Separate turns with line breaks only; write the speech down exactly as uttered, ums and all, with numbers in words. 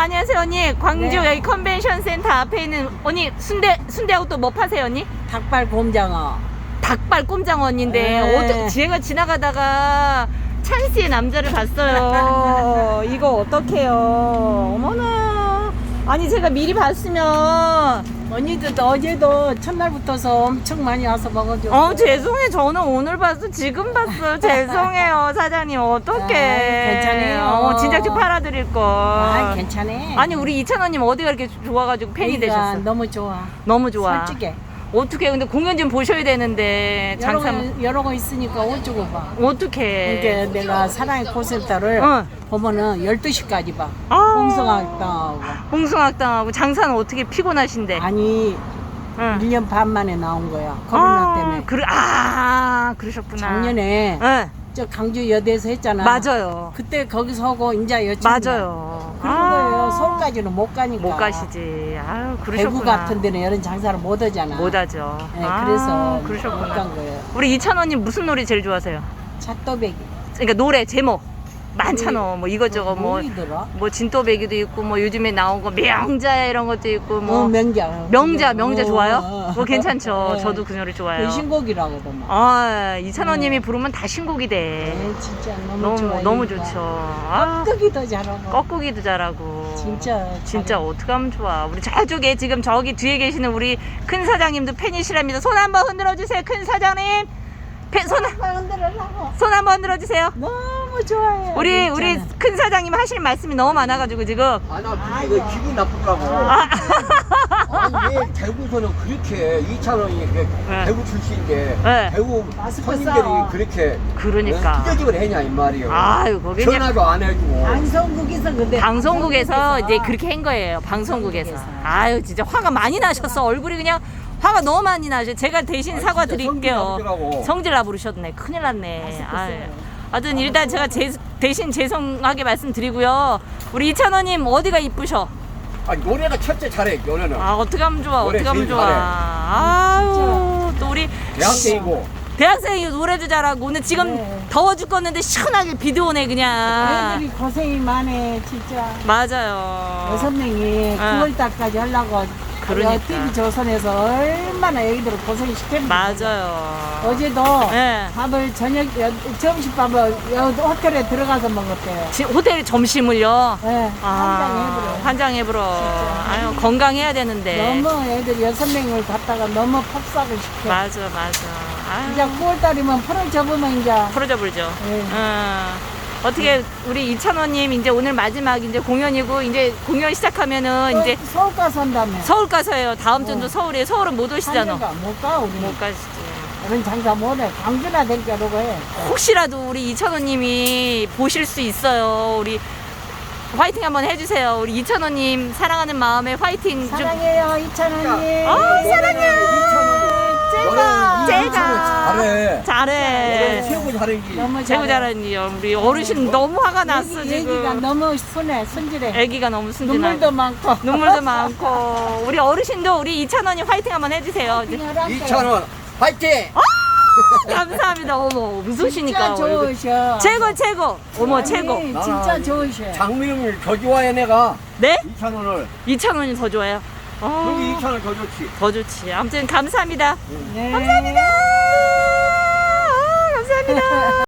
안녕하세요 언니. 광주
네.
여기 컨벤션 센터 앞에 있는 언니 순대 순대하고 또 뭐 파세요 언니?
닭발 곰장어.
닭발 꼼장어 언니인데
네.
어저, 제가 지나가다가 찬스의 남자를 봤어요. 이거 어떡해요. 어머나. 아니 제가 미리 봤으면
언니도 어제도 첫날부터서 엄청 많이 와서 먹어줘.
어 죄송해요. 저는 오늘 봤어. 지금 봤어요. 죄송해요 사장님. 어떡해.
아이, 괜찮아요.
어, 진작 좀 팔아드릴 걸.
아, 괜찮아.
아니 우리 이찬원님 어디가 이렇게 좋아가지고 팬이
여기가
되셨어?
너무 좋아.
너무 좋아.
솔직해.
어떻게 근데 공연 좀 보셔야 되는데
여러
장사
거, 여러 거 있으니까 어쩌고 봐.
어떻게?
이게 내가 사랑의 콘센터를
어.
보면은 열두 시까지 봐.
아.
홍성학당하고.
홍승학당하고 장사는 어떻게 피곤하신데?
아니,
응.
일 년 반 만에 나온 거야. 코로나 때문에.
그래, 아 그러셨구나.
작년에
네,
저 강주 여대에서 했잖아.
맞아요.
그때 거기서 하고 이제 여친
맞아요.
그런 거예요. 서울까지는 못 가니까.
못 가시지. 아유 그러셨구나.
대구 같은 데는 이런 장사를 못 하잖아.
못 하죠.
네,
아,
그래서
그러셨구나.
못 간 거예요.
우리 이찬원님 무슨 노래 제일 좋아하세요?
찻도배기.
그러니까 노래 제목 많잖아. 뭐 이것저것 뭐.
뭐이더라?
뭐 진또배기도 있고 뭐 요즘에 나온 거 명자 이런 것도 있고 뭐
어, 명자.
명자 명자
어,
좋아요?
어, 어.
그거 괜찮죠.
네.
저도 그 노래 좋아요.
그 신곡이라거든.
아 이찬원님이
네.
부르면 다 신곡이 돼.
네, 진짜 너무,
너무
좋아요.
너무 좋죠. 아,
깍두기도 잘하고.
꺾기도 잘하고.
진짜
진짜
잘해.
어떡하면 좋아. 우리 저쪽에 지금 저기 뒤에 계시는 우리 큰 사장님도 팬이시랍니다. 손 한번 흔들어 주세요. 큰 사장님. 팬, 손,
한번 흔들으려고.
손 한번 흔들어 주세요.
너무 좋아해요.
우리
진짜는.
우리 큰 사장님 하실 말씀이 너무 많아가지고 지금.
아, 나 이거 기분 나쁠까고.
아,
아니, 왜 대구에서는 그렇게 이찬원이 그래,
네.
대구 출신인데
네.
대구
마스크
손님들이
써.
그렇게
그러니까.
투격을 했냐 이 말이에요.
아유 거기 이제
전화도 안 해주고.
방송국에서 근데
방송국에서 이제 그렇게 한 거예요. 방송국에서. 아유 진짜 화가 많이 나셨어. 얼굴이 그냥 화가 너무 많이 나죠. 제가 대신
아니,
사과
진짜
드릴게요.
성질 나쁘더라고.
성질 나부르셨네. 큰일 났네.
마스크
아유.
써요.
하여튼 일단 제가 제, 대신 죄송하게 말씀드리고요. 우리 이찬원님 어디가 이쁘셔?
아니, 노래가 첫째 잘해, 노래는.
아 어떻게 하면 좋아?
노래
어떻게 하면
제일
좋아?
잘해.
아유 또 우리
대학생이고.
대학생이 노래도 잘하고 오늘 지금
네.
더워 죽겠는데 시원하게 비도 오네 그냥.
애들이 고생이 많네 진짜.
맞아요.
여섯 명이
어.
구월 달까지 하려고
그러니까.
티비 조선에서 얼마나 애기들을 고생 시켰는지.
맞아요.
어제도
네.
밥을 저녁 여- 점심밥을 여- 호텔에 들어가서 먹었대요.
지- 호텔 점심을요.
네,
아,
한장해버려.
환장해버려.
진짜.
아유 건강해야 되는데.
너무 애들 여섯 명을 갖다가 너무 폭삭을 시켜.
맞아 맞아.
이제
아유
구월 달이면 풀을 접으면 이제
풀어져 불죠.
네.
어. 어떻게 우리 이찬원님 이제 오늘 마지막 이제 공연이고 이제 공연 시작하면은 이제
서울 가서 한다며.
서울 가서요. 다음 주도
어.
서울에 서울은 못 오시잖아.
못가 우리.
못 가시지.
그런 장사 못해. 광주나 될게라고 해.
혹시라도 우리 이찬원님이 보실 수 있어요. 우리 화이팅 한번 해주세요. 우리 이찬원님 사랑하는 마음에 화이팅 좀.
사랑해요 이찬원님.
아 사랑해요. 제가
노래는
제가
잘해.
잘해.
노래 최고 잘하지.
너무
최고 잘하니 우리 어르신 너무 화가 났어
애기, 애기가
지금.
너무 순해 순진해.
애기가 너무 순진하고
눈물도 많고.
눈물도 많고 우리 어르신도 우리 이찬원님 화이팅 한번 해주세요.
이찬원, 화이팅!
감사합니다. 어머 웃으시니까
진짜
얼굴.
좋으셔.
최고 최고. 어머
아니,
최고.
진짜 좋으셔.
장미름을 더 좋아해, 내가.
네?
이찬원을.
이찬원이 더 좋아요. 어,
여기 이찬원 더 좋지.
더 좋지. 아무튼 감사합니다.
네.
감사합니다. 아, 감사합니다.